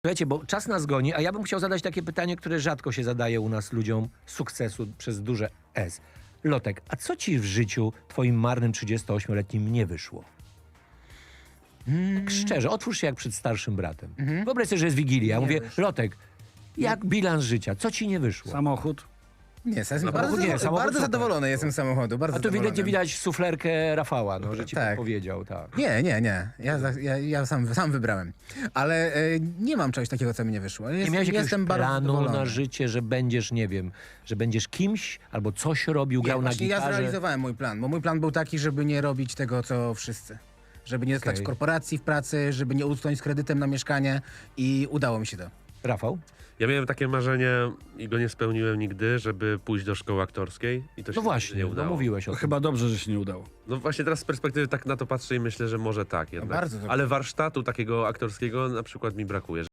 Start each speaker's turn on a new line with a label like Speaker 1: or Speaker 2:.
Speaker 1: Słuchajcie, bo czas nas goni, a ja bym chciał zadać takie pytanie, które rzadko się zadaje u nas ludziom sukcesu przez duże S. Lotek, a co ci w życiu twoim marnym 38-letnim nie wyszło? Tak szczerze, otwórz się jak przed starszym bratem. Wyobraź sobie, że jest Wigilia. Ja mówię, Lotek, jak bilans życia? Co ci nie wyszło?
Speaker 2: Samochód.
Speaker 3: Nie, jestem
Speaker 1: samochód nie, samochód
Speaker 3: bardzo
Speaker 1: super.
Speaker 3: zadowolony jestem z samochodu, bardzo
Speaker 1: A tu
Speaker 3: zadowolony.
Speaker 1: widać suflerkę Rafała, no, że ci
Speaker 3: Tak.
Speaker 1: powiedział, tak.
Speaker 3: Nie. Ja sam wybrałem. Ale nie mam czegoś takiego, co mi nie wyszło.
Speaker 1: Nie miałeś jakiegoś
Speaker 3: jestem bardzo
Speaker 1: planu
Speaker 3: zadowolony.
Speaker 1: na życie, że będziesz, nie wiem, że będziesz kimś albo coś robił, grał na
Speaker 3: Właśnie ja
Speaker 1: gitarze?
Speaker 3: zrealizowałem mój plan, bo mój plan był taki, żeby nie robić tego, co wszyscy. Żeby nie zostać
Speaker 1: Okej.
Speaker 3: w korporacji w pracy, żeby nie usnąć z kredytem na mieszkanie i udało mi się to.
Speaker 1: Rafał?
Speaker 4: Ja miałem takie marzenie i go nie spełniłem nigdy, żeby pójść do szkoły aktorskiej i to się
Speaker 1: No
Speaker 4: nigdy
Speaker 1: właśnie,
Speaker 4: nie
Speaker 1: no
Speaker 4: udało.
Speaker 1: mówiłeś o
Speaker 2: To
Speaker 1: tym.
Speaker 2: chyba dobrze, że się nie udało.
Speaker 4: No właśnie teraz z perspektywy tak na to patrzę i myślę, że może tak jednak.
Speaker 3: bardzo dobrze.
Speaker 4: Ale warsztatu takiego aktorskiego na przykład mi brakuje.